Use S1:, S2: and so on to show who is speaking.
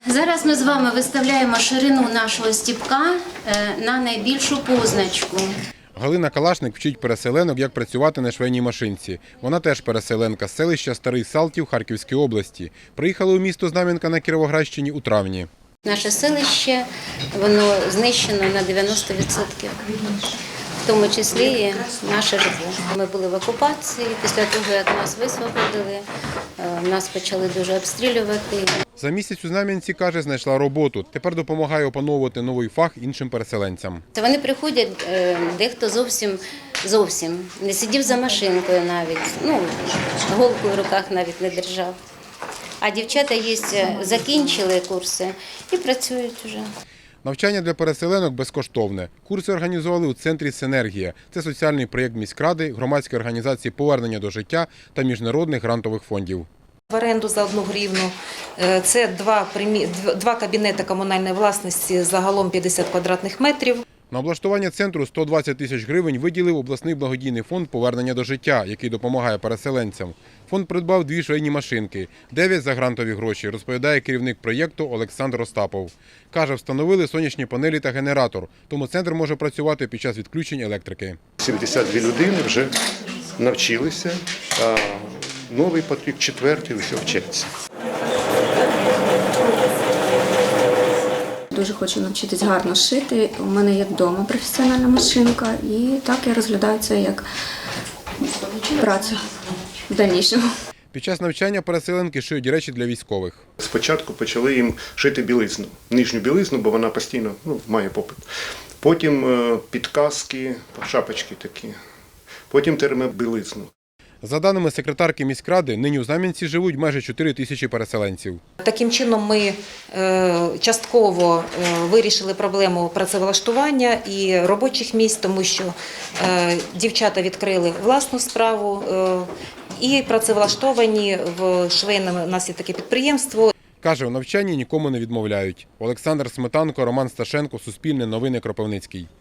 S1: Зараз ми з вами виставляємо ширину нашого стіпка на найбільшу позначку.
S2: Галина Калашник вчить переселенок, як працювати на швейній машинці. Вона теж переселенка з селища Старий Салтів Харківської області. Приїхала у місто Знам'янка на Кіровоградщині у травні.
S1: Наше селище, воно знищено на 90%. В тому числі і наше житло. Ми були в окупації, після того, як нас висвободили, нас почали дуже обстрілювати.
S2: За місяць у Знам'янці, каже, знайшла роботу. Тепер допомагає опановувати новий фах іншим переселенцям.
S1: Вони приходять, дехто зовсім не сидів за машинкою навіть, голку в руках навіть не держав. А дівчата закінчили курси і працюють вже.
S2: Навчання для переселенок безкоштовне. Курси організували у центрі «Синергія». Це соціальний проєкт міськради, громадської організації «Повернення до життя» та міжнародних грантових фондів.
S3: В оренду за 1 гривну. Це два кабінети комунальної власності, загалом 50 квадратних метрів.
S2: На облаштування центру 120 тисяч гривень виділив обласний благодійний фонд «Повернення до життя», який допомагає переселенцям. Фонд придбав 2 швейні машинки, 9 за грантові гроші, розповідає керівник проєкту Олександр Остапов. Каже, встановили сонячні панелі та генератор, тому центр може працювати під час відключень електрики.
S4: 72 людини вже навчилися, а новий потік, 4-й, ось вчаться.
S5: Дуже хочу навчитись гарно шити. У мене є вдома професіональна машинка, і так я розглядаю це як працю в дальнішому.
S2: Під час навчання переселенки шиють речі для військових.
S4: Спочатку почали їм шити білизну, нижню білизну, бо вона постійно має попит. Потім підказки, шапочки такі, потім термобілизну.
S2: За даними секретарки міськради, нині у Знам'янці живуть майже 4 тисячі переселенців.
S3: Таким чином ми частково вирішили проблему працевлаштування і робочих місць, тому що дівчата відкрили власну справу і працевлаштовані в швейному, у нас є таке підприємство.
S2: Каже, у навчанні нікому не відмовляють. Олександр Сметанко, Роман Сташенко, Суспільне новини, Кропивницький.